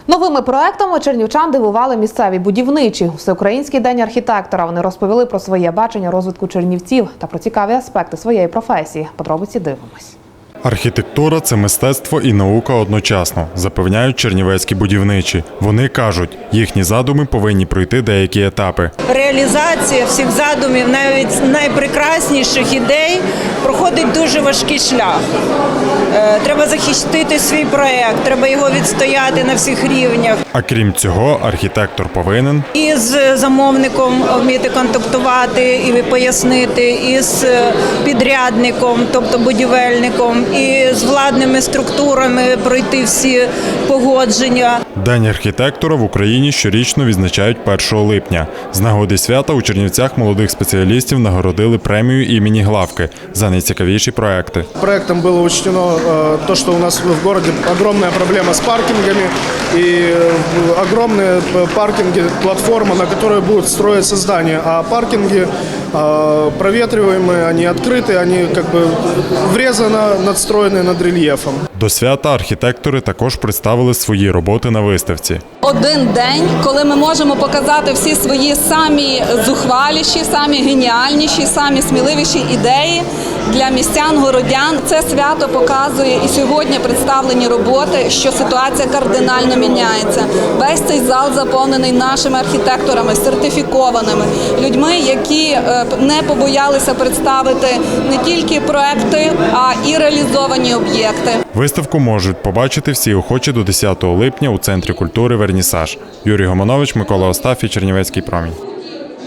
Новими проектами чернівчан дивували місцеві будівничі. Всеукраїнський день архітектора. Вони розповіли про своє бачення розвитку Чернівців та про цікаві аспекти своєї професії. Подробиці дивимось. Архітектура – це мистецтво і наука одночасно, запевняють чернівецькі будівничі. Вони кажуть, їхні задуми повинні пройти деякі етапи. Реалізація всіх задумів, навіть найпрекрасніших ідей, проходить дуже важкий шлях. Треба захистити свій проєкт, треба його відстояти на всіх рівнях. А крім цього, архітектор повинен І з замовником вміти контактувати і пояснити, і з підрядником, тобто будівельником, і з владними структурами пройти всі погодження. День архітектора в Україні щорічно відзначають 1 липня. З нагоди свята у Чернівцях молодих спеціалістів нагородили премію імені Главки за найцікавіші проекти. Проектом было учтено то, что у нас в городе огромная проблема с паркингами и огромные паркинги, платформа, на которой будут строиться здания, а паркинги проветриваемые, они открыты, они как бы врезано надстроены над рельефом. До свята архітектори також представили свої роботи на виставці. Один день, коли ми можемо показати всі свої самі зухваліші, самі геніальніші, самі сміливіші ідеї для містян, городян. Це свято показує і сьогодні представлені роботи, що ситуація кардинально міняється. Весь цей зал заповнений нашими архітекторами, сертифікованими, людьми, які не побоялися представити не тільки проекти, а і реалізовані об'єкти. Виставку можуть побачити всі охочі до 10 липня у Центрі культури «Вернісаж». Юрій Гомонович, Микола Остафій, Чернівецький промінь.